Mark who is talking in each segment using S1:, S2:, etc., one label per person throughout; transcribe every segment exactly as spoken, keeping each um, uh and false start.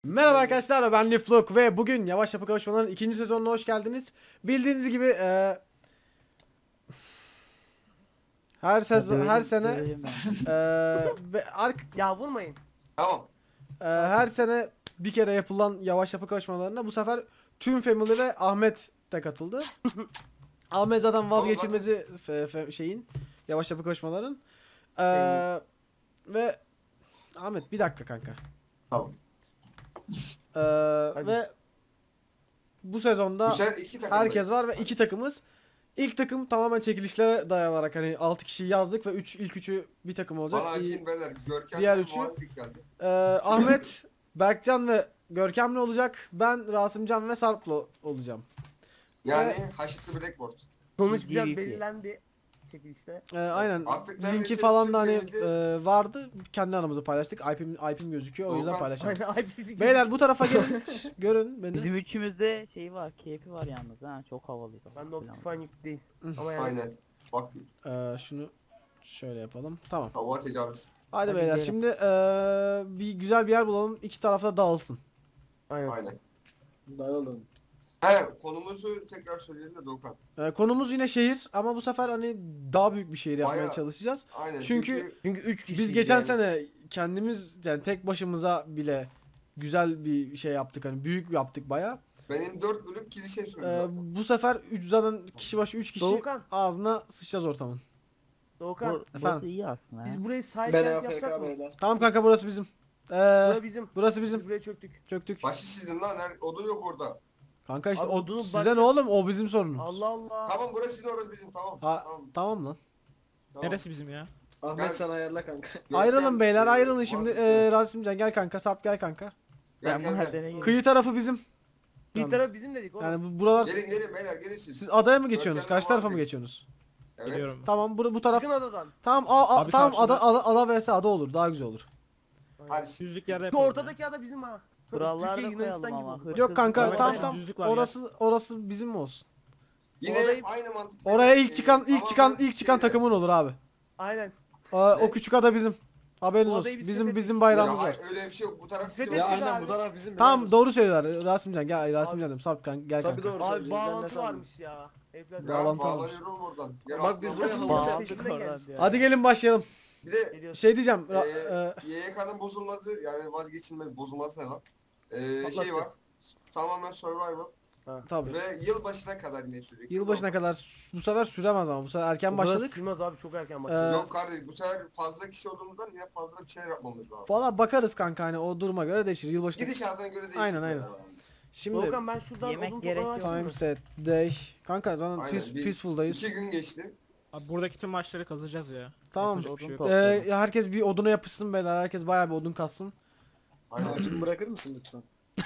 S1: Merhaba arkadaşlar, ben Liflock ve bugün Yavaş Yapı Kavuşmaları'nın ikinci sezonuna hoş geldiniz. Bildiğiniz gibi e, her sezon her sene e, ve ark,
S2: Ya vurmayın.
S3: Tamam.
S1: e, her sene bir kere yapılan Yavaş Yapı Kavuşmaları'na bu sefer tüm Family ve Ahmet de katıldı. Ahmet zaten vazgeçilmezi fe, fe, şeyin Yavaş Yapı Kavuşmaları'nın. E, ve Ahmet bir dakika kanka.
S3: Tamam.
S1: E, ve bu sezonda
S3: Bu sefer iki takım
S1: herkes var ve iki takımız. İlk takım tamamen çekilişlere dayanarak hani altı kişi yazdık ve üç ilk üçü bir takım olacak.
S3: Bana
S1: İyi-
S3: açayım beyler. Görkem
S1: diğer
S3: ve
S1: üçü-
S3: Muhalif geldi.
S1: Ee, Ahmet, Berkcan ve Görkem'le olacak. Ben Rasımcan ve Sarp'la olacağım.
S3: Yani
S1: Evet.
S3: Haşitli Blackboard.
S2: Sonuç
S4: G
S2: biraz
S4: V P.
S2: belirlendi çekilişte.
S1: Ee, aynen.
S3: Artık
S1: Linki
S3: neredeyse
S1: falan da hani
S3: Türkiye'de-
S1: e, vardı. Kendi aramızda paylaştık. I P'm, I P'm gözüküyor o yüzden
S3: Volkan,
S1: paylaşalım.
S2: Aynen ay bizi
S1: Beyler bu tarafa gelin. Şş, görün beni.
S4: Bizim üçümüzde şey var, keyfi var yalnız ha, çok havalıyız.
S2: Ben de Optifine yük değil. Ama yani
S3: Aynen. Bak
S1: Ee, şunu şöyle yapalım. Tamam.
S3: hava tecavüz.
S1: Hadi
S4: Hadi
S1: beyler
S4: gidelim.
S1: şimdi e, bir güzel bir yer bulalım. İki tarafta dağılsın.
S2: aynen.
S3: Aynen.
S5: Dağılın.
S3: He konumuzu tekrar söyleyelim de Doğukan.
S1: Ee, konumuz yine şehir ama bu sefer hani daha büyük bir şehir yapmaya
S3: Bayağı.
S1: çalışacağız.
S3: Aynen.
S1: Çünkü-
S2: Çünkü üç kişi.
S1: Biz geçen sene kendimiz yani tek başımıza bile güzel bir şey yaptık hani büyük yaptık baya.
S3: benim dört bölük kilise sürdü
S1: Ee,
S3: zaten.
S1: bu sefer üç zaten kişi başı üç kişi
S2: Doğukan.
S1: ağzına sıçacağız ortamın.
S2: Doğukan.
S4: Bu,
S1: Efendim?
S4: burası iyi aslında
S2: Biz
S4: ha.
S2: burayı sahip
S5: Ben
S2: yapsak
S5: A F K
S2: mı?
S5: beyler.
S1: Tamam kanka burası bizim. Ee,
S2: Bura bizim.
S1: burası
S2: Biz
S1: bizim.
S2: buraya çöktük.
S1: Çöktük.
S3: Başı sizin lan. Her, odun yok orada.
S1: Kanka işte
S2: Abi
S1: o
S2: odunu
S1: size
S2: başka-
S1: ne oğlum o bizim sorunumuz.
S2: Allah Allah.
S3: Tamam burası sizin orası bizim. Tamam.
S1: Ha,
S3: Tamam.
S1: tamam lan.
S3: Tamam.
S6: Neresi bizim ya?
S5: Ahmet
S3: Gel.
S5: sen ayarla kanka.
S3: Görkem,
S1: Ayrılın beyler
S3: e,
S1: ayrılın şimdi.
S3: Muhalif-
S1: Ee, Rasimcan gel kanka Sarp gel kanka.
S3: Gel
S4: Ben
S3: gel gel.
S4: mahallene gireyim.
S1: Kıyı tarafı bizim.
S2: Bir
S1: Yalnız.
S2: taraf bizim dedik oğlum.
S1: Yani bu- buralar
S3: Gelin gelin beyler gelin siz.
S1: siz adaya mı geçiyorsunuz?
S3: Görkem'le
S1: Karşı tarafa mı
S3: Muhalif.
S1: geçiyorsunuz?
S3: Evet.
S6: Geliyorum.
S1: Tamam bu, bu taraf.
S2: Çıkın adadan.
S1: Tamam a, a-
S6: Abi
S1: tamam
S6: karşıda-
S1: ada ada ada vs ada olur daha güzel olur.
S3: Hadi.
S6: Düzlük yerde
S2: Şu
S6: yapalım.
S2: ortadaki ada bizim ha.
S4: Buralarda
S2: Türkiye
S4: koyalım
S2: Yunanistan
S4: ama.
S2: gibi.
S4: Hır-
S1: Yok kanka
S6: Evet,
S1: tamam
S6: evet,
S1: tamam
S6: düzlük var ya.
S1: orası orası bizim mi olsun?
S3: Yine
S2: Oradayım.
S3: aynı mantık.
S1: Oraya ilk
S3: Ee,
S1: çıkan ilk
S3: tamamen
S1: çıkan ilk çıkan
S3: şeyde-
S1: takımın olur abi.
S2: Aynen.
S1: Aa, o
S3: Ne?
S1: küçük ada bizim. Haberiniz
S2: O
S1: olsun.
S2: adayı biz
S1: Bizim
S2: fethettik.
S1: bizim
S3: Ya,
S1: bayrağımız var.
S3: hayır, öyle bir şey yok. Bu taraf
S2: Biz fethettik.
S5: Ya
S2: Peki
S5: aynen
S2: abi.
S5: bu taraf bizim.
S1: Tamam
S5: beyler.
S1: doğru söylüyorlar. Rasimcan gel Rasimcan dedim. Sarp kan gel
S5: Tabii
S1: kanka.
S5: doğru
S2: Abi
S5: söylüyorsun. Sen ne
S2: bağlantı
S5: sandın?
S2: varmış ya. Evlat.
S3: Ya
S1: Bağlantı
S3: bağlanıyorum oradan. Gel
S5: Bak biz
S3: aslında
S5: buraya
S3: bu-
S5: halı
S2: Bağlantı-
S5: serdik.
S2: Bağlantı-
S4: oradan diyor.
S1: Hadi gelin başlayalım.
S3: Bir de
S2: Geliyoruz.
S1: Şey diyeceğim.
S3: Ee,
S1: ra- e,
S3: Y Y K'nın bozulması yani vazgeçilmez bozulması ne lan? Ee,
S2: Patlatacağız.
S3: şey var. Tamamen survival
S1: tabii.
S3: ve yılbaşına kadar yine sürecek.
S1: Yılbaşına kadar s- bu sefer süremez ama bu sefer erken başladık.
S2: Sürmez abi çok erken
S1: Ee,
S2: başladık.
S3: Yok kardeşim bu sefer fazla kişi olduğumuzdan yine fazla bir şey yapmamız lazım.
S1: Valla bakarız kanka hani o duruma göre değişir. Yılbaşında.
S3: Gidişatına göre değişir.
S1: Aynen, aynen. Şimdi
S2: Doğukan ben şuradan
S4: Yemek
S2: odun
S4: gerek
S2: toplamayı
S4: yok.
S2: açtım
S1: time
S2: mı?
S1: set day. Kanka zaten
S3: Aynen,
S1: peace,
S3: bir-
S1: peaceful'dayız.
S3: İki gün geçti.
S6: Abi buradaki tüm maçları kazacağız ya.
S1: Tamam.
S6: Yapacak bir şey yok.
S4: Odun
S1: Ee,
S4: toplayalım.
S1: herkes bir oduna yapışsın beyler. Herkes bayağı bir odun kassın.
S3: Aynen.
S5: Ağacımı bırakır mısın lütfen?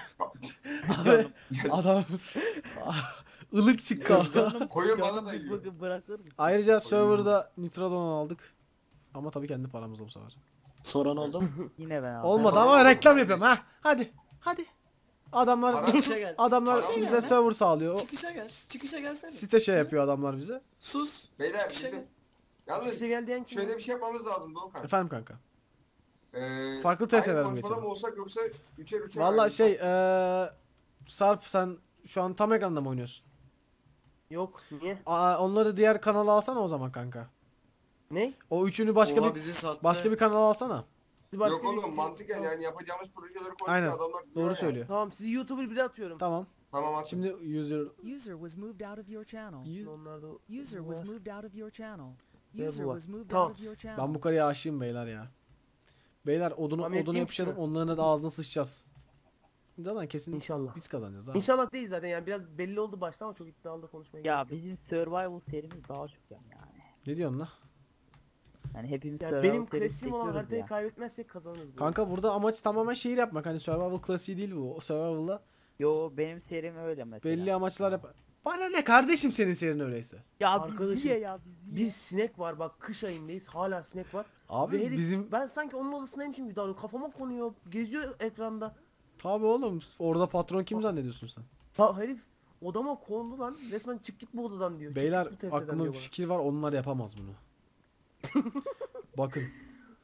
S1: Adamımız ılık çıktı.
S4: Canım,
S3: Koyun bana
S4: canım
S3: da
S4: bir
S3: yiyor.
S4: bırakır- bırakır mısın?
S1: Ayrıca serverda Nitrodon aldık. Ama tabii kendi paramızla bu sefer.
S5: Soran oldu mu?
S4: Yine ben aldım.
S1: Olmadı
S3: Tamam,
S1: ama
S3: tamam.
S1: reklam yapıyorum ha. Hadi. Hadi. Adamlar
S3: Para-
S5: Çıkışa gel.
S1: adamlar
S3: Para-
S1: bize server sağlıyor. O
S5: Çıkışa gel. Çıkışa gelsene.
S1: site şey yapıyor adamlar bize.
S5: Sus.
S3: Beyler
S5: Çıkışa
S3: bizim...
S5: gel.
S3: Yalnız
S2: İşe gel diyen kim?
S3: şöyle bir şey yapmamız lazım Doğukan.
S1: Efendim kanka.
S3: Ee,
S1: Farklı testeler mi
S3: aynı konuşmada
S1: geçelim?
S3: mı olsak yoksa üçer üçer
S1: Valla
S3: ayrılsak?
S1: şey eee Sarp sen şu an tam ekranda mı oynuyorsun?
S2: Yok niye?
S1: Aa, onları diğer kanala alsana o zaman kanka.
S2: Ne?
S1: O üçünü başka
S5: Oha,
S1: bir
S5: bizi sattı.
S1: başka bir kanala alsana.
S2: Siz başka
S3: Yok
S2: bir-
S3: oğlum mantıken
S2: Tamam.
S3: yani yapacağımız projeleri konuşuyor
S1: Aynen,
S3: adamlar.
S1: Doğru
S3: diyor ya.
S1: söylüyor.
S2: Tamam sizi YouTuber bile atıyorum.
S1: Tamam.
S3: Tamam at.
S1: Şimdi user
S7: User was moved out of your channel.
S2: Onlar da
S7: User was moved out of your channel.
S2: Ve
S7: User
S2: bu var.
S7: was moved
S2: Tamam.
S7: out of your channel.
S1: ben bu karıya aşığım beyler ya. Beyler odunu
S2: Tamam,
S1: odunu
S2: yapayım
S1: yapışalım
S2: şunu.
S1: onların da ağzına sıçacağız. Zaten kesin
S2: İnşallah.
S1: biz kazanacağız abi.
S2: İnşallah değil zaten yani biraz belli oldu baştan ama çok iddialı da konuşmaya
S4: Ya
S2: gerek yok.
S4: bizim survival serimiz daha çok yani.
S1: Ne diyorsun lan?
S4: Yani hepimiz
S2: Yani
S4: survival
S2: benim
S4: serisi
S2: klasiğim olan
S4: çekiyoruz
S2: haritayı
S4: ya.
S2: kaybetmezsek kazanırız. bunu.
S1: Kanka burada amaç tamamen şehir yapmak. Hani survival klasiği değil bu. O survival'da
S4: Yo benim serim öyle mesela.
S1: belli amaçlar yap. Bana ne kardeşim senin serin öyleyse.
S4: Ya
S2: Arkadaşım,
S4: biz niye ya biz niye?
S2: Bir sinek var bak kış ayındayız hala sinek var.
S1: Abi
S2: Ve herif-
S1: bizim
S2: Ben sanki onun odasındaymışım gibi davranıyor. Kafama konuyor. Geziyor ekranda.
S1: tabi oğlum orada patron kim zannediyorsun sen?
S2: Ha herif odama kondu lan. Resmen çık git bu odadan diyor. Çık
S1: Beyler
S2: git bu tepsiden
S1: aklıma bir
S2: diyor bana.
S1: fikir var onlar yapamaz bunu. Bakın.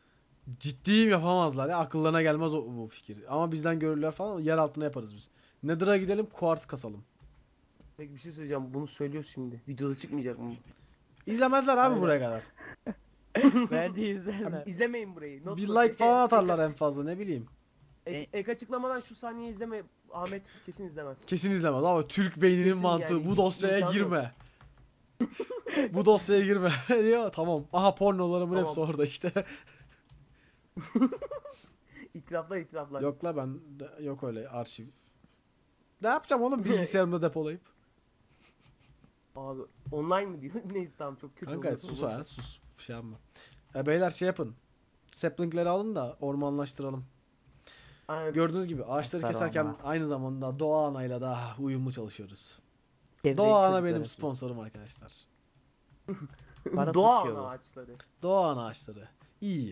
S1: Ciddiyim, yapamazlar ya. Akıllarına gelmez o, bu fikir. Ama bizden görürler falan, yer altına yaparız biz. Nether'a gidelim, kuartz kasalım.
S2: Peki bir şey söyleyeceğim. Bunu söylüyor şimdi. Videoda çıkmayacak mı?
S1: İzlemezler abi
S2: Aynen.
S1: buraya kadar.
S4: Bence
S2: Abi
S4: izlerler.
S2: izlemeyin burayı. Not
S1: Bir
S2: not.
S1: like
S2: Ek-
S1: falan
S2: ek-
S1: atarlar en fazla, ne bileyim.
S2: Ek, ek açıklamadan şu saniye izleme. Ahmet kesin izlemez.
S1: Kesin izlemez ama Türk beyninin
S2: Kesin
S1: mantığı
S2: yani,
S1: bu
S2: hiç
S1: dosyaya
S2: imkan yok.
S1: girme. Bu dosyaya girme diyor. Tamam. Aha, pornolarımın
S2: Tamam.
S1: hepsi orada işte.
S2: İtiraflar itiraflar.
S1: Yok la, ben de- yok öyle arşiv. Ne yapacağım oğlum bilgisayarımda depolayıp?
S2: Abi online mı diyor? Neyse tamam, çok kötü
S1: Kanka
S2: oldu.
S1: sus ha, sus. Şey yapma. E, beyler şey yapın. Saplingleri alın da ormanlaştıralım.
S2: Aynen.
S1: Gördüğünüz gibi ağaçları
S4: Aferin
S1: keserken
S4: ona.
S1: aynı zamanda Doğa Ana'yla da uyumlu çalışıyoruz.
S4: Çevreyi
S1: Doğa Ana
S4: çocuklar
S1: benim
S4: yapıyor.
S1: sponsorum arkadaşlar.
S4: Para
S2: Doğa
S4: sıçıyor
S2: ana
S4: bu.
S2: ağaçları.
S1: Doğa Ana ağaçları. İyi.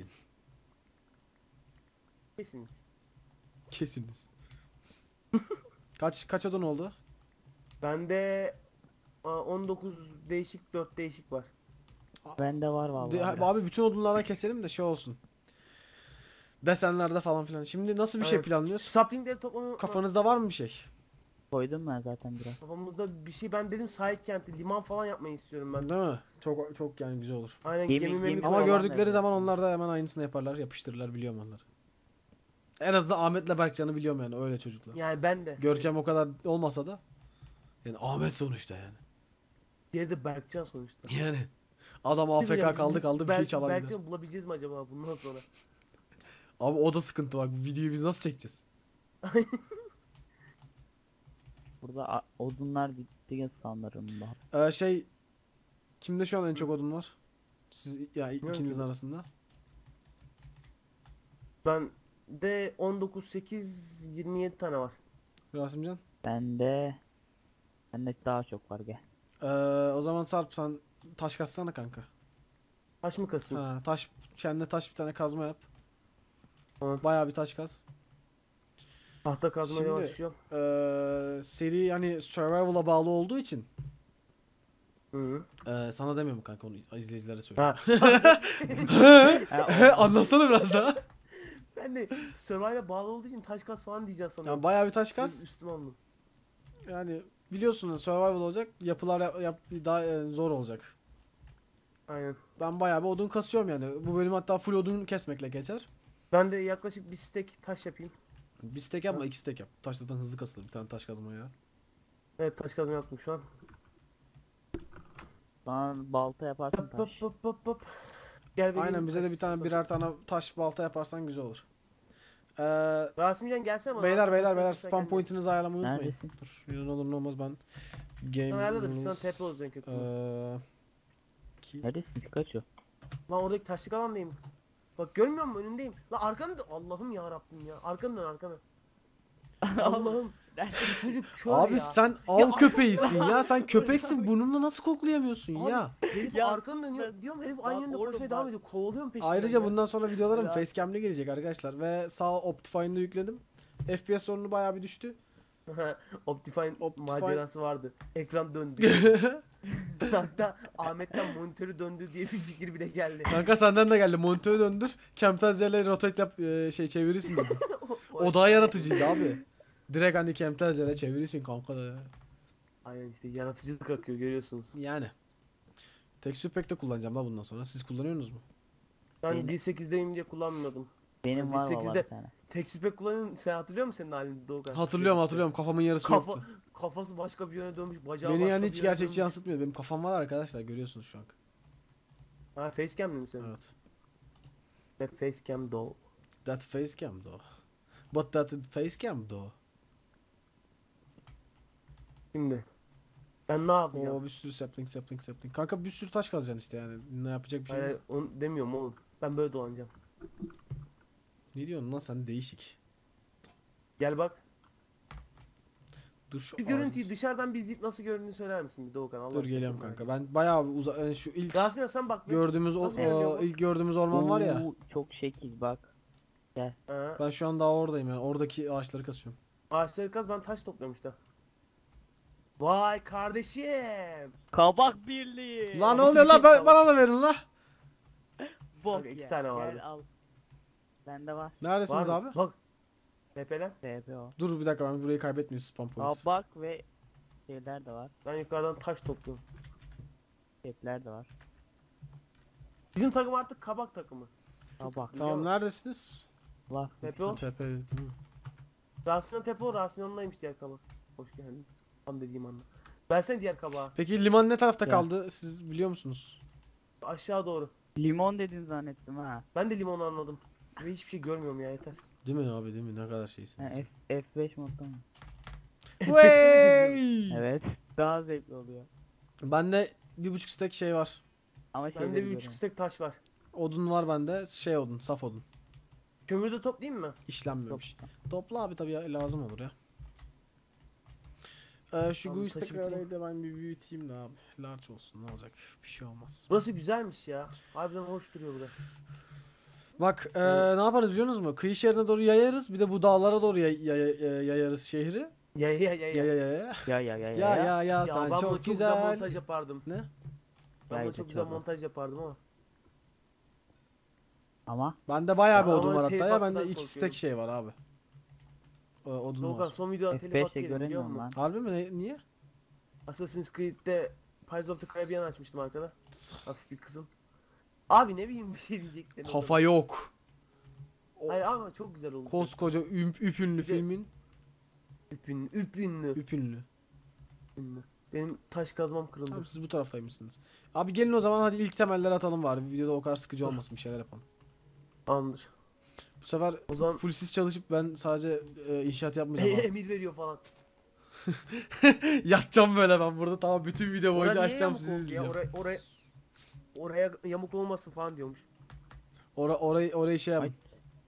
S2: Kesiniz.
S1: Kesiniz. Kaç kaç odun oldu?
S2: Bende aa, on dokuz değişik, dört değişik var.
S4: Bende var vallahi.
S1: De-
S4: biraz.
S1: abi bütün odunlardan keselim de şey olsun. Desenlerde falan filan. Şimdi nasıl bir şey
S2: Evet.
S1: planlıyoruz?
S2: Saplingleri toplamayı
S1: Kafanızda var mı bir şey?
S4: Koydum ben zaten biraz.
S2: Kafamızda bir şey, ben dedim sahil kenti, liman falan yapmayı istiyorum ben.
S1: Değil mi? Çok çok yani güzel olur.
S2: Aynen
S4: Gemi-
S2: gemi, memi
S4: gemi-
S1: Ama
S4: Falan
S1: gördükleri
S4: nerede?
S1: zaman onlar da hemen aynısını yaparlar, yapıştırırlar, biliyorum onları. En azından Ahmet'le Berkcan'ı biliyorum yani, öyle çocuklar.
S2: Yani ben de.
S1: Görkem o kadar olmasa da yani Ahmet sonuçta yani.
S2: Diğeri de Berkcan sonuçta.
S1: Yani adam
S2: Bir şey
S1: A F K
S2: söyleyeyim,
S1: kaldı kaldı bir şey
S2: Berk-
S1: çalabilir.
S2: Berkcan'ı bulabileceğiz mi acaba bundan sonra?
S1: Abi o da sıkıntı bak, bu videoyu biz nasıl çekeceğiz?
S4: Burada a- odunlar bitti sanırım da.
S1: Ee, şey kimde şu an en çok odun var? Siz ya
S2: Bilmiyorum
S1: ikinizin
S2: ki.
S1: arasında.
S2: Ben de on dokuz, sekiz, yirmi yedi tane var.
S1: Rasimcan.
S4: Bende bende daha çok var gel.
S1: Ee, o zaman Sarp sen taş kassana kanka.
S2: Taş mı kasayım?
S1: Ha, taş kendine taş bir tane kazma yap.
S2: Tamam.
S1: Bayağı bir taş kaz.
S2: Tahta kazmaya
S1: Şimdi-
S2: başlıyorum.
S1: Ee, seri yani survival'a bağlı olduğu için
S2: Hı.
S1: ee, sana demiyorum kanka, onu izleyicilere söylüyorum.
S2: Ha.
S4: Ha, o-
S1: Anlatsana biraz daha.
S2: Ben de Survivor'a bağlı olduğu için taş kas falan diyeceğiz sanırım.
S1: Yani bayağı bir taş kaz.
S2: Üstüme aldım.
S1: Yani biliyorsun survival olacak. Yapılar yap, yap- daha e, zor olacak.
S2: Aynen.
S1: Ben bayağı bir odun kasıyorum yani. Bu bölüm hatta full odun kesmekle geçer.
S2: Ben de yaklaşık bir stek taş yapayım.
S1: Bir stek yapma, iki stek yap. Taş zaten hızlı kasılır, bir tane taş kazma ya.
S2: Evet, taş kazma yaptım şu an.
S4: Bana balta yaparsın
S2: Hop hop
S4: taş.
S2: hop hop hop. Gel benim
S1: Aynen, bize de
S2: taş-
S1: bir tane
S2: taş-
S1: birer tane taş balta yaparsan güzel olur. Ee,
S2: Rasimcan gelsene bana.
S1: beyler beyler beyler
S2: Sen
S1: spam
S2: kendin.
S1: pointinizi ayarlamayı unutmayın.
S4: Neredesin?
S1: Dur, ne olur ne olmaz ben
S2: Sen
S1: game
S2: ayarla da biz sana tepe olacak kötü.
S1: Ee, ki-
S4: Neredesin Pikachu?
S2: Lan oradaki taşlık alandayım. Bak görmüyor musun, önündeyim. Lan arkanı dön. Allah'ım ya Rabbim ya. Arkanı dön, arkanı. Allah'ım. Bu çocuk kör
S1: Abi
S2: ya.
S1: sen av
S2: Ya-
S1: köpeğisin ya. Sen köpeksin, burnunla nasıl koklayamıyorsun
S2: Abi,
S1: ya?
S2: Herif
S4: Ya,
S2: arkanı dönüyor. Diyorum herif aynı yönde
S4: oğlum
S2: koşmaya
S4: bak.
S2: devam ediyor. Kovalıyorum peşinden.
S1: Ayrıca
S2: ya.
S1: bundan sonra videolarım
S4: Ya.
S1: facecam'li gelecek arkadaşlar ve sağ Optifine'da yükledim. F P S sorunu bayağı bir düştü.
S2: Optifine,
S1: Optifine-
S2: macerası vardı. Ekran döndü. Hatta Ahmet'ten monitörü döndü diye bir fikir bile geldi.
S1: Kanka senden de geldi. Monitörü döndür. Camtasia ile rotate yap e, şey çevirirsin dedi. O daha yaratıcıydı abi. Direkt hani Camtasia ile çevirirsin kanka da ya.
S2: Aynen işte yaratıcılık akıyor, görüyorsunuz.
S1: Yani. Texture Pack de kullanacağım la bundan sonra. Siz kullanıyorsunuz mu?
S2: Ben
S4: Benim-
S2: bir nokta sekizdeyim diye kullanmıyordum.
S4: Benim var
S2: sekizde
S4: valla bir tane.
S2: Texture Pack kullanın, sen hatırlıyor musun senin halini Doğukan?
S1: Hatırlıyorum hatırlıyorum. Kafamın yarısı
S2: Kafa,
S1: yoktu.
S2: kafası başka bir yöne dönmüş, bacağı
S1: Beni
S2: başka
S1: yani
S2: bir
S1: hiç
S2: yöne
S1: gerçekçi
S2: dönmüş.
S1: yansıtmıyor. Benim kafam var arkadaşlar, görüyorsunuz şu an.
S2: Ha, facecam mi senin?
S1: Evet.
S2: That facecam doll.
S1: That facecam though. But that facecam though.
S2: Şimdi. Ben ne yapacağım?
S1: Oo bir sürü sapling sapling sapling. Kanka bir sürü taş kazacaksın işte yani. Ne yapacak bir şey
S2: Hayır,
S1: yok.
S2: onu demiyorum oğlum. Ben böyle dolanacağım.
S1: Ne diyorsun lan sen, değişik.
S2: Gel bak.
S1: Dur şu
S2: Şu görüntüyü dışarıdan bir izleyip nasıl göründüğünü söyler misin bir Doğukan? Allah
S1: Dur
S2: aşkına,
S1: geliyorum
S2: çok merak
S1: kanka. Ben bayağı bir uza yani şu ilk
S2: ediyorum. Rasim'e sen bak. bir.
S1: gördüğümüz o,
S2: Nasıl görünüyor
S1: o
S2: bu?
S1: ilk gördüğümüz orman var ya.
S4: Oo, çok şekil bak.
S2: Ha,
S1: Ben şu an daha oradayım yani. Oradaki ağaçları kasıyorum.
S2: ağaçları kaz, ben taş topluyorum işte. Vay kardeşim.
S4: Kabak birliği.
S1: Lan ne oluyor la, bana da verin la.
S4: Bok
S2: Kanka iki
S4: ya.
S2: tane vardı.
S4: Gel al. Bende var.
S2: Var
S1: Neredesiniz
S2: mı?
S1: abi?
S2: Bak. Tepeler.
S4: T P o.
S1: Dur bir dakika, ben burayı kaybetmeyeyim, spam point.
S4: Kabak ve şeyler de var.
S2: Ben yukarıdan taş topluyorum.
S4: Kepler de var.
S2: Bizim takım artık kabak takımı.
S4: Kabak
S1: Tamam, neredesiniz?
S4: var.
S2: Tepe o.
S1: Tepe değil mi?
S2: Rasyon tepe o. Rasyonundaymış diğer kabak. Hoş geldin. Tam dediğim anda. Versene diğer kabağı.
S1: Peki liman ne tarafta
S4: Ya.
S1: kaldı? Siz biliyor musunuz?
S2: Aşağı doğru.
S4: Limon dedin zannettim ha.
S2: Ben de limonu anladım. Ve hiçbir şey görmüyorum ya, yeter.
S1: Değil mi abi, değil mi? Ne kadar
S4: ha
S1: şeysiniz.
S4: F, F beş modda mı?
S1: Wey!
S4: Evet. Daha zevkli oluyor.
S1: Bende bir buçuk stek şey var.
S4: Ama şey
S2: Bende bir buçuk stek taş var.
S1: Odun var bende. Şey odun, saf odun.
S2: Kömürü de toplayayım mı?
S1: İşlenmemiş. Topla abi, tabii ya, lazım olur ya. Ee, şu
S2: Tamam,
S1: Guiz
S2: taşı
S1: tekrar
S2: bitireyim.
S1: de ben bir büyüteyim de abi. Large olsun, ne olacak? Bir şey olmaz.
S2: Burası güzelmiş ya. Harbiden hoş duruyor burada.
S1: Bak ee, ne yaparız biliyor musunuz mu? Kıyı şehrine doğru yayarız. Bir de bu dağlara doğru yay- yay- yay- yayarız şehri.
S2: Ya ya ya
S1: Ya
S2: ya.
S1: ya ya ya.
S4: Ya ya ya
S1: Ya ya ya
S2: Ya
S1: sen
S2: ben
S1: çok
S2: buna
S1: güzel.
S2: montaj yapardım.
S1: Ne?
S2: Ben
S4: Yayla
S2: buna çok güzel
S4: çorbası.
S2: montaj yapardım ama.
S4: Ama
S1: Bende bayağı bir
S2: Ya
S1: odun
S2: ama
S1: var hatta
S2: telif
S1: ya. Bende
S2: hakkından
S1: iki stek
S2: korkuyorum.
S1: şey var abi. Ee, odun
S2: Doğukan
S1: var.
S2: son videoda
S4: F
S2: telif
S4: beşte
S2: hakkı yedim biliyor
S4: göremiyorum
S2: musun?
S4: lan.
S1: Harbi mi? Ne- niye?
S2: Assassin's Creed'de Pirates of the Caribbean açmıştım arkada. Hafif bir kızım. Abi ne bileyim bir şey diyecektim.
S1: Kafa yok. O
S2: Hayır ama çok güzel oldu.
S1: koskoca üm- üpünlü
S2: Bir de-
S1: filmin
S2: Üpün, üpünlü.
S1: üpünlü.
S2: üpünlü. Benim taş kazmam kırıldı.
S1: Tamam, siz bu taraftaymışsınız. Abi gelin o zaman, hadi ilk temelleri atalım bari. Videoda o kadar sıkıcı olmasın, bir şeyler yapalım.
S2: Tamamdır.
S1: Bu sefer
S2: O zaman
S1: full siz çalışıp ben sadece e, inşaat yapmayacağım abi.
S2: emir veriyor falan.
S1: Yatacağım böyle ben burada, tamam, bütün video boyunca
S2: Oraya niye
S1: açacağım,
S2: yamuk
S1: sizi
S2: oldu ya?
S1: izleyeceğim.
S2: Oraya, oraya, oraya yamuk olmasın falan diyormuş.
S1: Ora, orayı, orayı şey yapın.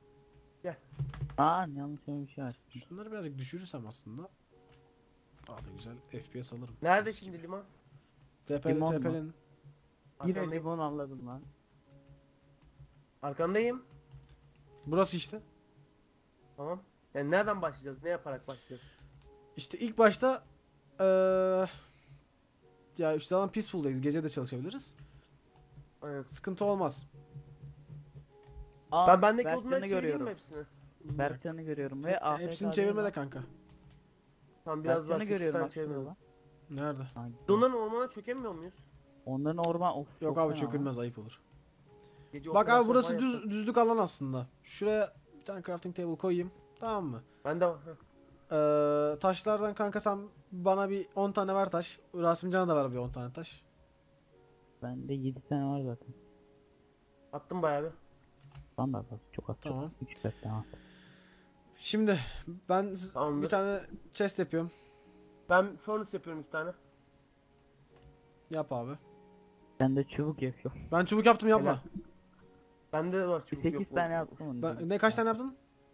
S4: aa yanlış bir şey açtım.
S1: Şunları birazcık düşürürsem aslında daha da güzel F P S alırım.
S2: Nerede
S1: Mis
S2: şimdi
S1: gibi.
S2: liman?
S1: Tepeli
S4: Limon mu?
S1: tepelin.
S4: Yine
S2: Arkandayım.
S4: limon avladım lan.
S2: Arkandayım.
S1: Burası işte.
S2: Tamam. Yani nereden başlayacağız? Ne yaparak başlayacağız?
S1: İşte ilk başta eee ya işte zaman peaceful'dayız. Gece de çalışabiliriz.
S2: Aynen.
S1: Sıkıntı olmaz.
S4: Aa,
S2: Ben bendeki odunları
S4: Berkcan'ı
S2: çevireyim
S4: görüyorum.
S2: mi hepsini?
S4: Berkcan'ı görüyorum ve A F K
S1: Hepsini
S4: değil
S1: çevirme
S4: mi?
S1: de kanka.
S2: Tamam biraz daha
S4: Berkcan'ı
S2: sekiz
S4: görüyorum
S2: tane
S4: bak şurada
S2: çevirmem.
S4: lan.
S1: Nerede?
S4: Ay,
S2: Onların ormana çökemiyor muyuz?
S4: Onların orman of.
S1: Yok
S4: çok
S1: abi,
S4: fena
S1: çökülmez, ayıp olur.
S2: Gece
S1: Bak
S2: operasyon
S1: abi, burası
S2: falan
S1: düz
S2: yapsak.
S1: düzlük alan aslında. Şuraya bir tane crafting table koyayım. Tamam mı?
S2: Bende var. Heh.
S1: Eee taşlardan kanka sen bana bir on tane ver taş. Rasimcan'a da ver bir on tane taş.
S4: Bende yedi tane var zaten.
S2: Attım bayağı bir.
S4: Lan da bak çok az
S1: Tamam.
S4: çok. üç dört tane.
S1: Şimdi ben z-
S2: Tamamdır.
S1: bir tane chest yapıyorum.
S2: Ben furnace yapıyorum bir tane.
S1: Yap abi.
S4: Ben de çubuk yapıyorum.
S1: Ben çubuk yaptım, yapma.
S2: Helal. Bende de var çubuk
S4: sekiz
S2: yok.
S4: tane yaptım onu.
S1: Ben, ne kaç tane yaptın?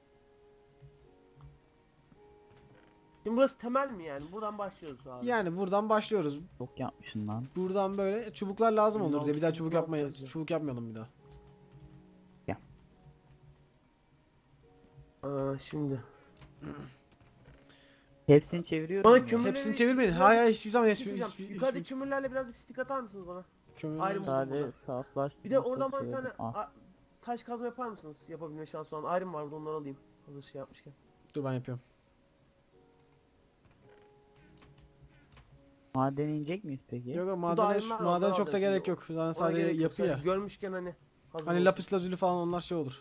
S2: Şimdi burası temel mi yani? Buradan başlıyoruz abi.
S1: Yani buradan başlıyoruz.
S4: Çok yapmışsın lan.
S1: Buradan böyle çubuklar lazım olur diye bir daha
S2: Çubuk
S1: çubuk
S2: ne
S1: yapmaya
S2: yapacağız ya?
S1: çubuk yapmayalım bir daha.
S2: Aa, şimdi.
S4: Hepsini çeviriyorum.
S2: Bana
S4: ya.
S2: kömür-
S1: Hepsini çevirmeyin. Hayır hayır, hiçbir zaman
S2: Bir şey
S1: hiçbir,
S2: diyeceğim.
S1: hiçbir,
S2: Yukarıda
S1: hiçbir
S2: kömürlerle birazcık stick atar mısınız bana?
S1: kömür
S2: ayrı
S1: olmaz.
S2: mısın?
S4: Sadece saflaştım.
S2: Bir de oradan
S4: çok
S2: bana bir tane
S4: sevdim. Ah,
S2: a- taş kazma yapar mısınız? Yapabilme şansı olan. Ayrım var burada, onları alayım. Hazır şey yapmışken.
S1: Dur ben yapıyorum.
S4: maden inecek miyiz peki?
S1: Yok yok,
S2: Burada
S1: madene,
S2: ayrımlar var,
S1: madene
S2: onları
S1: çok da
S2: alacağız
S1: gerek
S2: şimdi.
S1: yok. Zaten
S2: Ona
S1: sadece
S2: gerek yok.
S1: yapı
S2: Sadece
S1: ya.
S2: Görmüşken hani. Hazır
S1: Hani
S2: olsun.
S1: lapis lazuli falan onlar şey olur.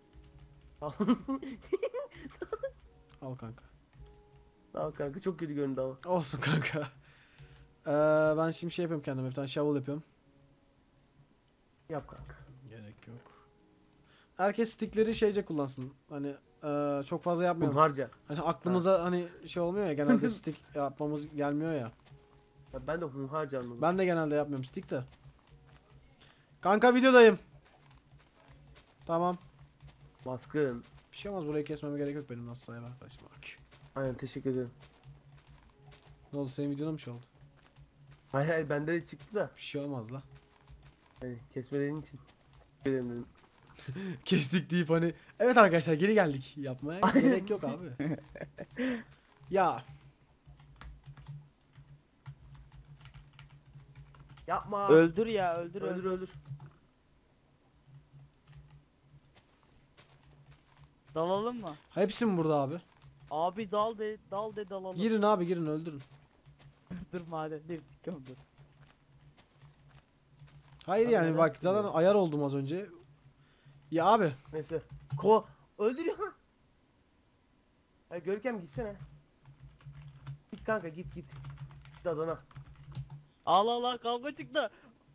S1: Al kanka.
S2: Tamam kanka, çok kötü göründü ama.
S1: Olsun kanka. Ee, ben şimdi şey yapıyorum kendime, bir tane shovel yapıyorum.
S2: Yap kanka.
S1: Gerek yok. Herkes stickleri şeyce kullansın. Hani eee, çok fazla yapmayalım.
S2: Hunharca.
S1: Hani aklımıza hani şey olmuyor ya, genelde stick yapmamız gelmiyor ya.
S2: Ya ben de hunharca anladım.
S1: Ben de genelde yapmıyorum stick de. Kanka videodayım. Tamam.
S2: Baskın.
S1: Bir şey olmaz, burayı kesmeme gerek yok benim nasıl sayı arkadaşım. Bak.
S2: Aynen, teşekkür ederim.
S1: Ne oldu, senin videona mı şey oldu?
S2: Hayır hayır, bende de çıktı da.
S1: Bir şey olmaz la.
S2: Hani kesmediğin için. Teşekkür ederim dedim.
S1: Kestik deyip hani evet arkadaşlar geri geldik yapmaya gerek yok abi. Ya
S2: Yapma.
S4: Öldür ya öldür
S2: öldür
S4: öldür.
S2: öldür.
S4: Dalalım mı?
S1: Hepsi mi burada abi?
S4: Abi dal de dal de dalalım.
S1: Girin abi girin öldürün.
S4: Dur madenleri çıkıyorum dur.
S1: Hayır
S2: Abi
S1: yani
S2: neden
S1: bak
S2: çıkmıyor?
S1: zaten ayar oldum az önce. Ya abi
S2: Neyse. Ko öldürüyor. Hayır Görkem gitsene. Git kanka git git. Git Adana.
S4: Allah Allah kavga çıktı.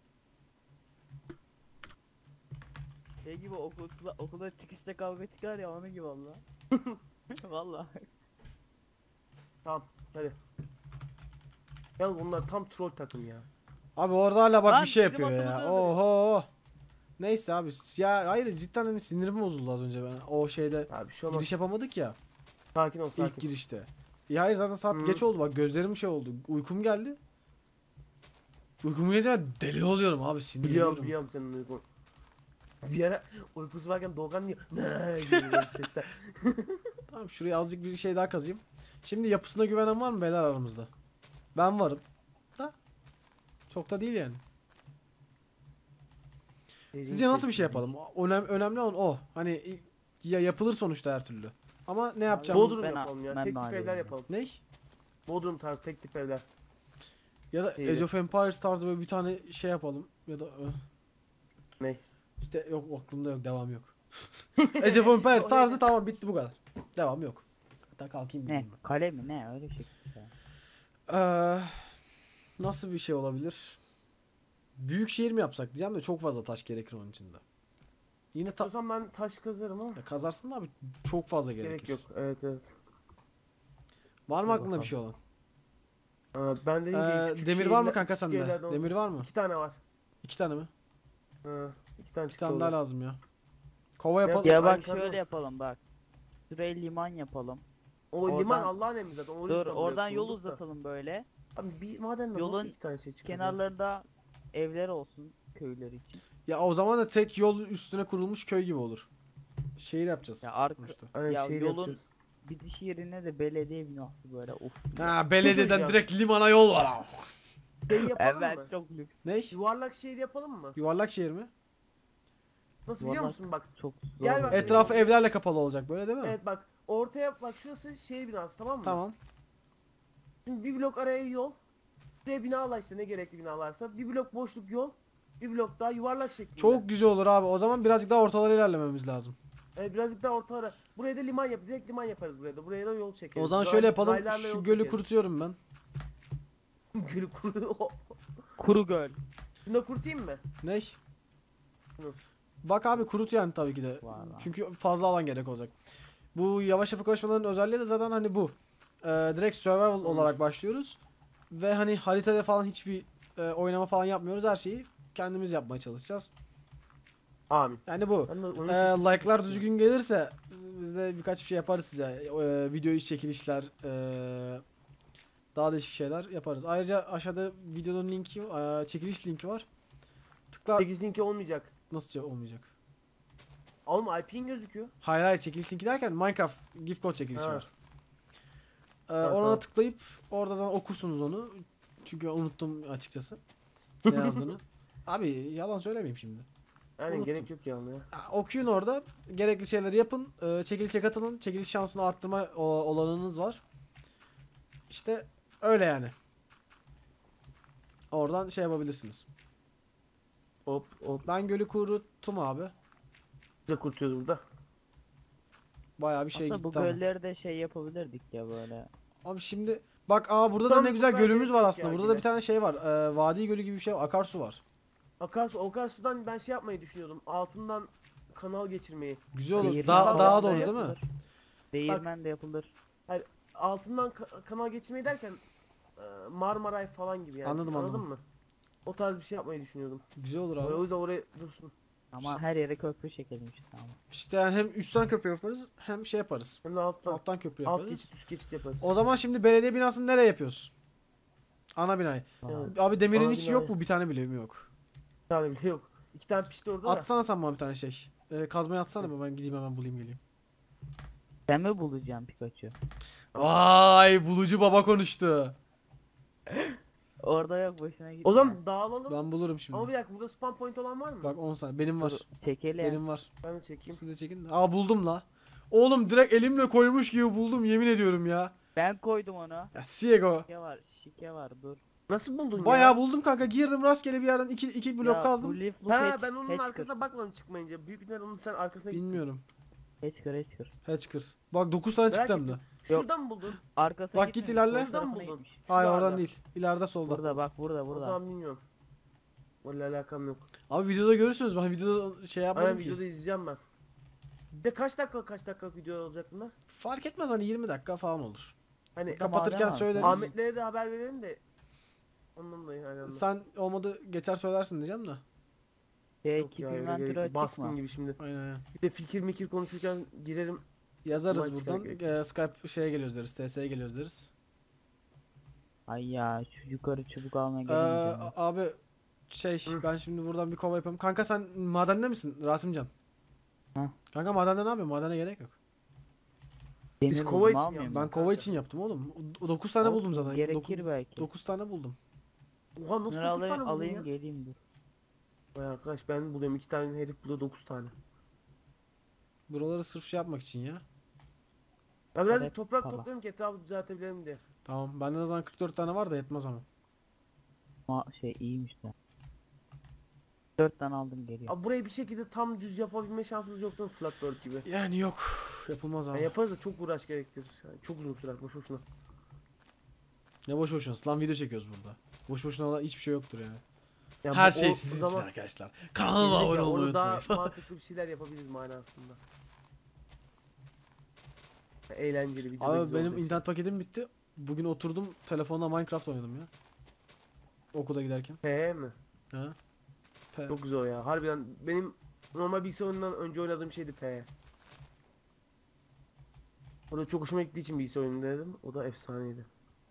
S4: Şey gibi okulda, okulda çıkışta kavga çıkar ya onun gibi valla. Valla.
S2: Tamam hadi. Yalnız onlar tam troll takım ya.
S1: abi orada hala bak
S4: Lan,
S1: bir şey
S4: bizim
S1: yapıyor ya.
S4: atımızı
S1: Oho. Neyse abi ya hayır cidden hani sinirim bozuldu az önce ben o şeyde
S2: Abi şu olmaz.
S1: giriş yapamadık ya
S2: Sakin ol sakin.
S1: ilk girişte. Ya hayır zaten saat
S2: Hı.
S1: geç oldu bak gözlerim şey oldu uykum geldi. Uykum gelince ben deli oluyorum abi sinirleniyorum.
S2: Biliyorum biliyorum senin uykun. Bir ara uykusu varken Doğukan diyor. Ne gibi böyle sesler.
S1: Tamam şuraya azıcık bir şey daha kazayım. Şimdi yapısına güvenen var mı beyler aramızda? Ben varım. Da. Çok da değil yani. Sizce nasıl bir şey yapalım? Önem, önemli olan o. Hani ya yapılır sonuçta her türlü. Ama ne yapacağımız...
S2: Bodrum
S4: Ben-
S2: yapalım ya.
S4: ben
S2: Tek tip
S4: mahalledeyim
S2: evler
S4: ya.
S2: yapalım.
S1: Ne?
S2: Bodrum tarzı tek tip evler.
S1: Ya da
S2: İyi.
S1: Age of Empires tarzı böyle bir tane şey yapalım. Ya da... ö,
S2: Ne?
S1: İşte yok aklımda yok devam yok. Age of Empires tarzı tamam bitti bu kadar. Devam yok. Hatta kalkayım
S4: Ne?
S1: gideyim ben.
S4: Kale mi ne öyle şey. ya.
S1: Ee, nasıl bir şey olabilir? Büyük şehir mi yapsak diyeceğim de çok fazla taş gerekir onun içinde. Yine ta
S2: O zaman ben taş kazarım ama.
S1: ya kazarsın da abi çok fazla gerekir.
S2: Gerek yok. Evet evet.
S1: Var mı
S2: Dur
S1: aklında bir
S2: bakalım.
S1: şey olan?
S2: Aa, ben dediğim gibi
S1: Ee,
S2: küçük
S1: demir var mı
S2: şehirler-
S1: kanka
S2: küçük
S1: sende?
S2: evlerden
S1: Demir var mı?
S2: İki tane var.
S1: İki tane mi?
S2: Ha, iki tane
S1: Bir
S2: çıktı
S1: tane daha
S2: oradan.
S1: lazım ya. Kova
S2: Ya-
S1: yapalım.
S4: Ya
S2: Aynı
S4: bak
S2: kadro.
S4: şöyle yapalım bak. Şuraya liman yapalım.
S2: O
S4: Oradan-
S2: liman Allah'ın emri zaten. O
S4: Dur
S2: yüzden
S4: oradan
S2: buraya
S4: yol
S2: kurulduk da.
S4: uzatalım böyle.
S2: Abi bir madenden
S4: Yolun
S2: nasıl iki tane şey çıkıyor?
S4: Kenarlarında evler olsun köyler için.
S1: Ya o zaman da tek yol üstüne kurulmuş köy gibi olur. Şehir yapacağız.
S4: Ya arka-
S1: sonuçta.
S2: Aynen
S4: Ya
S2: şehir
S4: yolun-
S2: yapacağız.
S4: Bitiş yerine de belediye binası böyle of.
S1: Ha belediyeden
S2: Ya.
S1: direkt limana yol var ama.
S2: Şey yapalım
S4: Evet
S2: mı?
S4: çok lüks.
S1: Ne?
S2: Yuvarlak şehir yapalım mı?
S1: Yuvarlak şehir mi?
S2: Nasıl biliyor
S4: Yuvarlak-
S2: musun bak.
S4: Çok zor.
S2: Gel bak.
S4: oluyor.
S1: Etrafı evlerle kapalı olacak böyle değil mi?
S2: Evet bak. Ortaya bak şurası şehir binası tamam mı?
S1: Tamam.
S2: Şimdi bir blok araya yol. Buraya binalar işte ne gerekli binalarsa. Bir blok boşluk yol. Bir blok daha yuvarlak şeklinde.
S1: Çok güzel olur abi. O zaman birazcık daha ortalara ilerlememiz lazım.
S2: Evet, birazcık daha orta ara. Buraya da liman yap. Direkt liman yaparız buraya da. Buraya da yol çekeriz.
S1: O zaman
S2: Ray-
S1: şöyle yapalım.
S2: raylarla
S1: Şu
S2: yol
S1: gölü
S2: çekeriz.
S1: kurutuyorum ben.
S2: Gölü kuru.
S4: Kuru göl.
S2: Şunu da kurutayım mı?
S1: Ne?
S2: Şunu.
S1: Bak abi kurut yani tabii ki de.
S4: Var lan.
S1: Çünkü fazla alan gerek olacak. Bu yavaş yapı koşmaların özelliği de zaten hani bu. Ee, direkt survival olarak başlıyoruz. Ve hani haritada falan hiçbir e, oynama falan yapmıyoruz. Her şeyi kendimiz yapmaya çalışacağız.
S2: Amin.
S1: Yani bu.
S2: Ben de onun
S1: Ee,
S2: için-
S1: like'lar düzgün gelirse biz- biz de birkaç bir şey yaparız size. Ee, video iş çekilişler, ee, daha değişik şeyler yaparız. Ayrıca aşağıda videonun linki, ee, çekiliş linki var. Tıklar
S2: sekiz linki olmayacak.
S1: nasıl olmayacak?
S2: Oğlum I P'in gözüküyor.
S1: Hayır hayır çekiliş linki derken Minecraft gift code çekilişi
S2: Ha.
S1: var. Ee,
S2: Tamam,
S1: ona
S2: tamam.
S1: tıklayıp orada zaten okursunuz onu. Çünkü unuttum açıkçası ne yazdığını. Abi yalan söylemeyeyim şimdi.
S2: Yani
S1: Unuttum.
S2: gerek yok ya. ya.
S1: Ha, okuyun orada. Gerekli şeyleri yapın. Ee, çekilişe katılın. Çekiliş şansını arttırma o, olanınız var. İşte öyle yani. Oradan şey yapabilirsiniz.
S2: Hop hop.
S1: Ben gölü kuruttum abi.
S2: Biz de kurutuyoruz burada.
S1: Bayağı bir şey
S4: Aslında bu
S1: gitti ama.
S4: gölleri de şey yapabilirdik ya böyle.
S1: Abi şimdi bak aa burada da
S2: Tam
S1: ne güzel
S2: buradan
S1: gölümüz var
S2: gerek yok
S1: aslında.
S2: ya
S1: Burada da
S2: yine.
S1: bir tane şey var. Ee, vadi gölü gibi bir şey var. Akarsu var.
S2: Akarsu, Akarsu'dan ben şey yapmayı düşünüyordum. Altından kanal geçirmeyi.
S1: Güzel olur.
S4: Değirmen
S1: Daha,
S2: falan
S1: daha
S2: da
S1: doğru değil mi?
S4: yapılır. Değirmen de yapılır.
S2: Altından ka- kanal geçirmeyi derken e, Marmaray falan gibi yani.
S1: Anladım,
S2: Anladın
S1: anladım.
S2: mı? O tarz bir şey yapmayı düşünüyordum.
S1: Güzel olur
S2: O
S1: abi.
S2: yüzden oraya dursun.
S4: Ama her yere köprü çekelim işte ama.
S1: İşte yani hem üstten köprü yaparız hem şey yaparız.
S2: Hem de alttan.
S1: Alttan köprü
S2: Alt
S1: yaparız.
S2: geçit üst geçit yaparız.
S1: O zaman şimdi belediye binasını nereye yapıyoruz? Ana binayı.
S2: Evet.
S1: Abi demirin
S2: Ana
S1: hiç
S2: binayı.
S1: yok mu? Bir tane bile mi yok?
S2: Bir tane bile yok. İki tane pişti orada da.
S1: Atsana sen bana bir tane şey. Ee, kazmayı atsana be, ben gideyim hemen bulayım geleyim.
S4: Sen mi bulacaksın Pikachu?
S1: Vay bulucu baba konuştu.
S4: Orada yok boşuna git.
S2: O zaman dağılalım.
S1: Ben bulurum
S2: Ama
S1: şimdi.
S2: bir dakika burada spawn point olan var mı?
S1: Bak on saniye. Benim var.
S4: çekelim.
S1: Benim var.
S2: Ben de çekeyim.
S1: Siz de çekin. Aa buldum la. Oğlum direkt elimle koymuş gibi buldum yemin ediyorum ya.
S4: Ben koydum onu.
S1: Ya Siego.
S4: Şike var, şike var dur.
S2: Nasıl buldun ya?
S1: Bayağı buldum kanka. Girdim rastgele bir yerden iki, iki blok
S4: Ya,
S1: kazdım.
S4: bu leaf loop
S2: Ha
S4: hatch-
S2: ben onun
S4: hatchker.
S2: arkasına bakmadım çıkmayınca. Büyük ihtimalle onun sen arkasına gittin.
S1: Bilmiyorum.
S4: Hatchker, hatchker.
S1: Hatchker. Bak dokuz tane
S2: Merak
S1: çıktı hem de.
S2: ettim. Şuradan mı buldun?
S4: Arkasına
S1: Bak git
S4: gitmemiş,
S1: ilerle.
S4: sol
S2: Buradan
S4: tarafına
S2: buldun.
S4: gitmiş.
S1: Hayır
S2: Şurada.
S1: oradan değil. İleride solda.
S4: Burada bak, burada,
S2: O
S4: burada.
S2: zaman bilmiyorum. Vallahi alakam yok.
S1: Abi videoda görürsünüz. Ben videoda şey yapmadım
S2: Aynen
S1: ki.
S2: videoda izleyeceğim ben. Bir de kaç dakika kaç dakika video olacak bunlar?
S1: Fark etmez hani yirmi dakika falan olur.
S2: Hani
S4: Burada
S1: Kapatırken
S4: maden var.
S1: söyleriz.
S2: Ahmetlere de haber verelim de. Ondan dolayı aynen.
S1: Sen olmadı geçer söylersin diyeceğim de.
S4: Şey,
S2: Yok
S4: keep
S2: ya, öyle
S4: inventory
S2: gerek yok.
S4: açık
S2: Baskın
S4: mı?
S2: gibi şimdi.
S1: Aynen aynen.
S2: Bir de fikir mikir konuşurken girerim.
S1: Yazarız
S2: Maç
S1: buradan.
S2: gerek
S1: Ee, Skype şeye geliyoruz deriz. T S'ye geliyoruz deriz.
S4: Ay ya, şu yukarı çubuk almaya
S1: Ee,
S4: gelemeyeceğim. ben.
S1: abi şey
S2: Hı.
S1: ben şimdi buradan bir kova yapayım. Kanka sen madende misin Rasimcan?
S4: Hı.
S1: Kanka madende ne yapıyorsun? Madene gerek yok.
S2: Biz
S4: Demir
S2: kova
S4: buldum,
S2: için
S4: almıyor
S2: yaptık.
S1: Ben
S4: musun?
S1: kova
S2: kanka.
S1: için yaptım oğlum. dokuz tane
S4: Olsun,
S1: buldum zaten.
S4: Gerekir belki.
S1: dokuz tane buldum.
S2: Oha nasıl
S4: Bunları
S2: dokuz
S4: alayım,
S2: tane buldun
S4: alayım
S2: ya?
S4: geleyim dur.
S2: Vay arkadaş ben buluyorum iki tane herif buluyor dokuz tane.
S1: Buraları sırf şey yapmak için ya.
S2: Ya birazcık
S4: Evet,
S2: toprak
S4: tamam.
S2: topluyorum ki etrafı düzeltebilirim diye.
S1: Tamam. Bende de zaman kırk dört tane var da yetmez ama.
S4: Ama şey iyiymiş de. Dört tane aldım geliyor.
S2: Abi burayı bir şekilde tam düz yapabilme şansımız yok değil mi Flatbird gibi?
S1: Yani yok. Yapılmaz abi.
S2: Yani yaparız da çok uğraş gerektirir. Yani çok uzun sürer boş boşuna.
S1: Ne boş boşuna. Lan video çekiyoruz burada. Boş boşuna olan hiçbir şey yoktur yani.
S2: Ya
S1: Her
S2: bu-
S1: şey
S2: o
S1: sizin için
S2: zaman-
S1: arkadaşlar. Kanalıma
S2: Gelecek
S1: abone
S2: ya,
S1: olmayı
S2: onu daha
S1: unutmayın.
S2: mantıklı bir şeyler yapabiliriz manasında. Eğlenceli bir
S1: Abi benim internet paketim bitti. Bugün oturdum telefonla Minecraft oynadım ya. Okula giderken.
S2: P mi?
S1: Ha? Pe-
S2: Çok güzel o ya. Harbiden benim normal bilgisayar oyunundan önce oynadığım şeydi P. O da çok hoşuma gittiği için bilgisayar oyunu dedim. O da efsaneydi.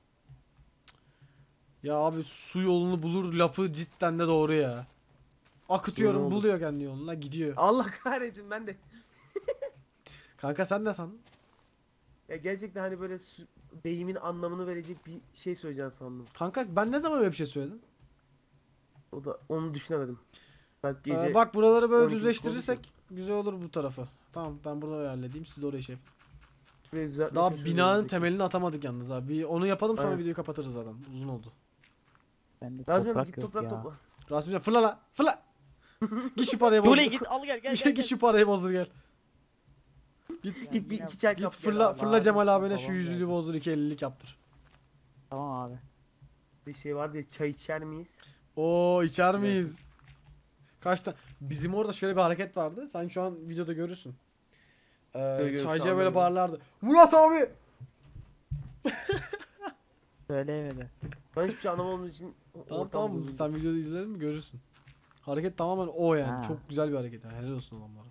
S1: Ya abi su yolunu bulur lafı cidden de doğru ya. Akıtıyorum
S2: Yolu olur.
S1: buluyor kendi yoluna gidiyor.
S2: Allah kahretsin ben de.
S1: Kanka sen ne sandın?
S2: Ya gerçekten hani böyle sü- deyimin anlamını verecek bir şey söyleyeceğim sandım.
S1: Kanka ben ne zaman öyle bir şey söyledim?
S2: O da onu düşünemedim. Bak gece
S1: Ee, bak buraları böyle
S2: on iki
S1: düzleştirirsek güzel olur bu tarafı. Tamam ben burada halledeyim siz de oraya şey yapın.
S2: burayı düzeltmeye
S1: Daha
S2: çalışıyorum
S1: binanın
S2: önümüzdeki.
S1: temelini atamadık yalnız abi. Bir onu yapalım sonra
S2: Aynen.
S1: videoyu kapatırız zaten. Uzun oldu.
S4: Bende
S2: Lazım
S4: toprak
S2: git
S4: yok
S2: toprak
S4: ya.
S2: topla.
S1: Rasimcan fırla la fırla. Git şu parayı bozdur.
S4: Dule git al gel gel gel.
S1: Git
S4: gel.
S1: şu parayı bozdur gel. Git
S4: Ya
S2: Git bir
S4: yine
S2: iki çay
S1: git
S2: kap. gel
S1: fırla
S2: abi.
S1: fırla Cemal
S4: Bağırıyorsun,
S1: abine şu
S4: babam
S1: yüzüğü
S4: geldi.
S1: bozdur iki ellilik yaptır.
S4: Tamam abi.
S2: Bir şey var diye çay içer miyiz?
S1: Oo içer miyiz? Kaç tane? Bizim orada şöyle bir hareket vardı. Sen şu an videoda görürsün. Ee,
S2: Görüyorum, şu
S1: çaycıya
S2: an
S1: böyle
S2: görüyorum.
S1: bağırlardı. Murat abi!
S4: Söyleyemedi.
S2: Ben hiçbir şey anlamadığım için o-
S1: Tamam
S2: ortam
S1: tamam
S2: bozuldu.
S1: sen videoda izledin mi görürsün. Hareket tamamen o yani.
S4: Ha.
S1: Çok güzel bir hareket. Yani. Helal olsun adamlara.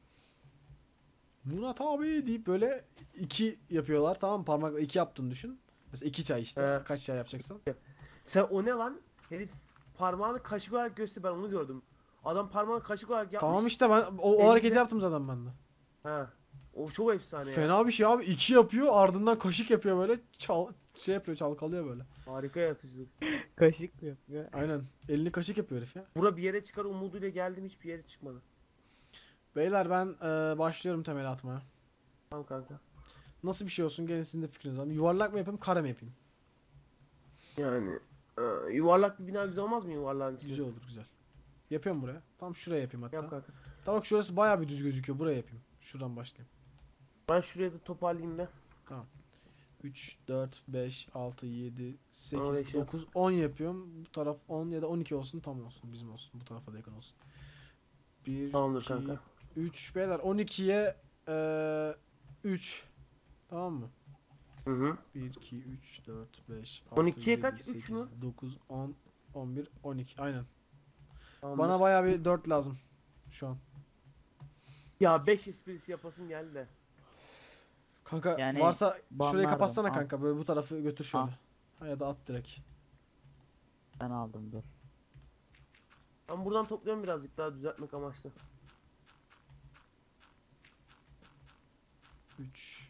S1: Murat abi deyip böyle iki yapıyorlar tamam mı? Parmakla iki yaptığını düşün. Mesela iki çay işte.
S2: He.
S1: Kaç çay yapacaksın?
S2: Sen o ne lan? Herif parmağını kaşık olarak göster ben onu gördüm. Adam parmağını kaşık olarak yapmış.
S1: Tamam işte ben o, o
S2: Elinde-
S1: hareketi yaptım zaten ben de.
S2: Ha. O çok efsane ya.
S1: Fena bir şey abi. İki yapıyor ardından kaşık yapıyor böyle. Çal şey yapıyor çalkalıyor böyle.
S2: Harika yaratıcılık.
S4: Kaşık mı yapıyor?
S1: Aynen. Elini kaşık yapıyor herif ya.
S2: Bura bir yere çıkar umuduyla geldim hiçbir yere çıkmadı.
S1: Beyler ben e, başlıyorum temeli atmaya.
S2: Tamam kanka.
S1: Nasıl bir şey olsun gelin sizin de fikriniz var. Yuvarlak mı yapayım kare mi yapayım?
S2: Yani e, yuvarlak bir bina güzel olmaz mı yuvarlağın içinde?
S1: Güzel olur güzel. Yapıyorum buraya. Tam şuraya yapayım hatta.
S2: Yap kanka.
S1: Tamam bak şurası bayağı bir düz gözüküyor. Buraya yapayım. Şuradan başlayayım.
S2: Ben şuraya da toparlayayım da.
S1: üç, dört, beş, altı, yedi,
S2: Oraya
S1: sekiz,
S2: şey yap.
S1: dokuz, on yapıyorum. Bu taraf on ya da on iki olsun tam olsun. Bizim olsun. Bu tarafa da yakın olsun. bir,
S2: Tamamdır
S1: iki,
S2: kanka.
S1: üç. Beyler on ikiye eee üç. Tamam mı?
S2: Hı hı.
S1: bir, iki, üç, dört, beş,
S2: on ikiye kaç? Üç
S1: sekiz,
S2: mü?
S1: dokuz, on, on bir, on iki. Aynen.
S2: Tamamdır.
S1: Bana bayağı bir dört lazım. Şu an.
S2: Ya beş esprisi yapasım geldi de.
S1: Kanka
S4: Yani
S1: varsa şurayı
S4: banlardım,
S1: kapatsana
S4: al.
S1: kanka. Böyle bu tarafı götür şöyle.
S4: Al.
S1: Ha, ya da at direkt.
S4: Ben aldım dur.
S2: Ben buradan topluyorum birazcık daha düzeltmek amaçlı.
S1: üç.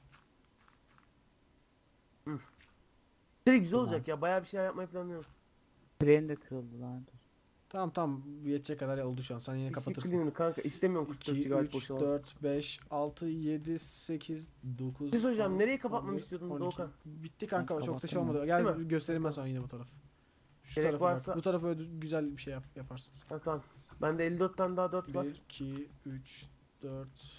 S2: Şey güzel
S4: Tamam.
S2: olacak ya bayağı bir şey yapmayı planlıyorum.
S4: Freni de kırıldı lan dur.
S1: Tamam tamam yetecek kadar oldu şu an. Sen yine kapatırsın.
S2: Disiplinini kanka istemiyorum kırk dört
S1: iki,
S2: gigabayt
S1: üç,
S2: boşalan.
S1: dört, beş, altı, yedi, sekiz, dokuz,
S2: Siz hocam
S1: on,
S2: nereyi kapatmamı
S1: on bir,
S2: istiyordun
S1: on iki.
S2: Doğukan?
S1: Bitti kanka
S4: Ben
S1: çok da şey
S4: kapattım
S1: olmadı. Gel
S2: Değil mi?
S1: göstereyim ben sana yine bu taraf. Şu
S2: Gerek
S1: tarafı
S2: varsa-
S1: bak. Bu tarafı öyle güzel bir şey yap, yaparsın.
S2: Ha, tamam. Bende elli dört tane daha dört var.
S1: bir, iki, üç, dört,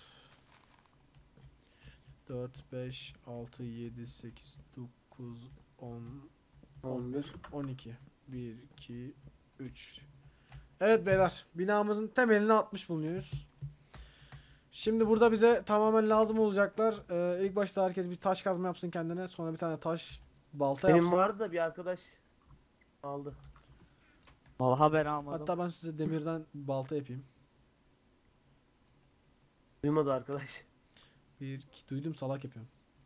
S1: dört, beş, altı, yedi, sekiz, dokuz, on, on bir, on iki. bir, iki, üç. Evet beyler, binamızın temelini atmış bulunuyoruz. Şimdi burada bize tamamen lazım olacaklar. Ee, ilk başta herkes bir taş kazma yapsın kendine. Sonra bir tane taş balta
S2: Benim
S1: yapsın.
S2: vardı da bir arkadaş aldı.
S4: Vallahi ben almadım.
S1: Hatta ben size demirden balta yapayım.
S2: Duymadı arkadaş.
S1: Bir, iki, duydum salak yapıyorum.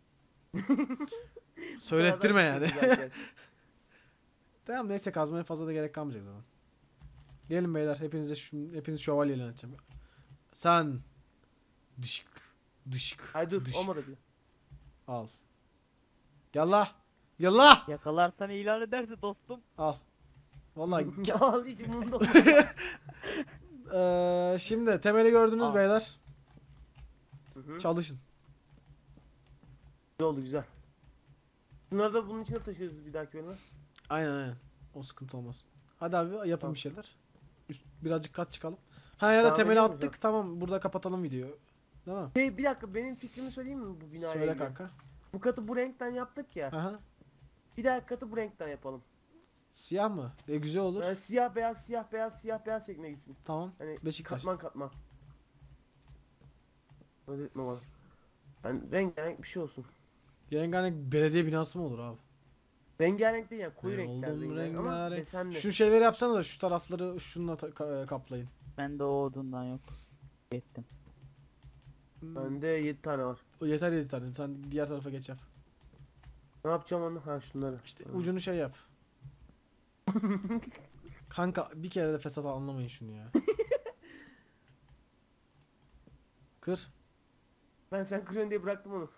S1: Söylettirme yani.
S2: Zaten.
S1: Tamam neyse kazmaya fazla da gerek kalmayacak zaten. Gelin beyler hepinize şu, hepiniz şövalye ilan edeceğim. Sen dışık dışık
S2: Ay dur
S1: dışık.
S2: olmadı bile.
S1: Al. Yallah. Yallah.
S4: Yakalarsan ilan ederse dostum.
S1: Al. Vallahi
S2: Al hiç umurumda olmadı.
S1: eee şimdi temeli gördünüz
S4: Al.
S1: beyler.
S2: Hı hı.
S1: Çalışın.
S2: Güzel oldu güzel. Bunları da bunun içine taşırız bir dahaki bölüme.
S1: Aynen aynen. O sıkıntı olmaz. Hadi abi yapın
S2: Tamam.
S1: bir şeyler. Üst, birazcık kat çıkalım. Ha ya da
S2: Tamam,
S1: temeli
S2: edeyim mi
S1: attık.
S2: hocam?
S1: Tamam burada kapatalım videoyu. Değil mi?
S2: Hey bir dakika benim fikrimi söyleyeyim mi bu binaya
S1: Söyle
S2: ilgili?
S1: kanka.
S2: Bu katı bu renkten yaptık ya.
S1: Aha.
S2: Bir dahaki katı bu renkten yapalım.
S1: Siyah mı? E güzel olur.
S2: Yani siyah beyaz siyah beyaz siyah beyaz şeklinde gitsin.
S1: Tamam.
S2: Hani
S1: Beşiktaş.
S2: katman katman. Öyle etme bana. Yani rengarenk bir şey olsun.
S1: Rengarenk belediye binası mı olur abi?
S2: Rengarenk değil yani koyu
S1: E,
S2: renkler
S1: oldum
S2: rengarenk ama
S1: rengarenk.
S2: desenli.
S1: Şu şeyleri yapsanız da şu tarafları şununla ta- ka- kaplayın.
S4: Bende o odundan yok. Ettim.
S1: Hmm,
S2: Bende yedi tane var.
S1: o yeter yedi tane. Sen diğer tarafa geç yap.
S2: Ne yapacağım onu? Ha şunları.
S1: İşte
S2: Ha.
S1: ucunu şey yap. Kanka bir kere de fesat anlamayın şunu ya. Kır.
S2: Ben sen kırıyorsun diye bıraktım onu.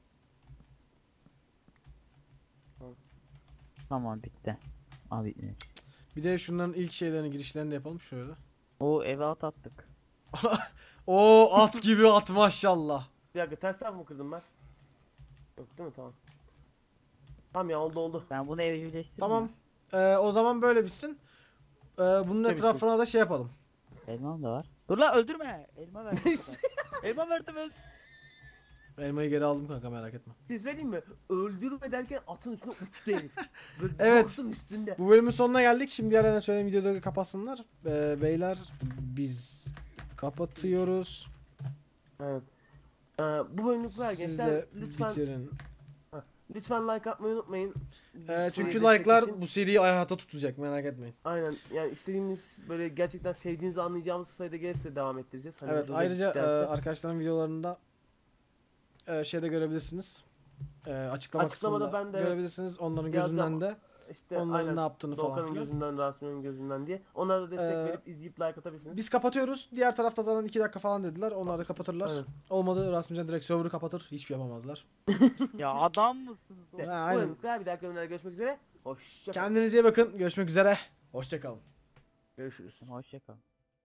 S4: Tamam bitti. Abi bitti.
S1: Bir de şunların ilk şeylerini girişlerini de yapalım şöyle.
S4: O eve at attık.
S1: Oo at gibi at maşallah.
S2: Bir dakika ters taraf mı kırdım ben? Yok değil mi? Tamam. Tamam ya oldu oldu.
S4: Ben bunu evcilleştirdim.
S1: Tamam. Ee, o zaman böyle bitsin. Ee, bunun
S2: Tabii
S1: etrafına da şey yapalım.
S4: Elmam da var. Dur lan öldürme. Elma verdim. sana. Elma verdim öl.
S1: Elmayı geri aldım kanka merak etme.
S2: Bir şey söyleyeyim mi? Öldürme derken atın üstüne uçtu herif. Böyle
S1: Evet.
S2: baktım üstünde.
S1: Bu bölümün sonuna geldik. Şimdi diğerlerine söyleyeyim videoda kapatsınlar. Ee, beyler biz kapatıyoruz.
S2: Evet. Ee, bu bölümlük var
S1: Siz
S2: gençler.
S1: de
S2: Lütfen
S1: bitirin.
S2: lütfen like atmayı unutmayın.
S1: Ee, çünkü
S2: Destek
S1: like'lar
S2: için.
S1: bu seriyi hayata tutacak merak etmeyin.
S2: Aynen yani istediğimiz böyle gerçekten sevdiğinizi anlayacağımız sayıda gelirse devam ettireceğiz. Hani
S1: Evet
S2: hoşunuza
S1: ayrıca e,
S2: giderse.
S1: arkadaşların videolarında e, şeyde görebilirsiniz. E, açıklama
S2: Açıklamada
S1: kısmında
S2: ben de
S1: görebilirsiniz. Onların
S2: yazacağım.
S1: gözünden de
S2: işte
S1: onların
S2: aynen
S1: ne yaptığını falan
S2: Doğukan'ın
S1: filan.
S2: gözünden, Rasim'in gözünden diye. Onlara da destek
S1: Ee,
S2: verip izleyip like atabilirsiniz.
S1: Biz kapatıyoruz. Diğer tarafta zaten iki dakika falan dediler. Onlar da kapatırlar.
S2: Aynen.
S1: Olmadı Rasimcan direkt server'ı kapatır. Hiçbir şey yapamazlar.
S4: Ya adam mısınız?
S2: İşte,
S1: Ha,
S2: bu
S1: aynen.
S2: bölümlük var. Bir dahaki bölümlerde görüşmek üzere. Hoşçakalın.
S1: Kendinize iyi bakın. Görüşmek üzere. Hoşçakalın.
S2: Görüşürüz.
S4: Hoşçakal.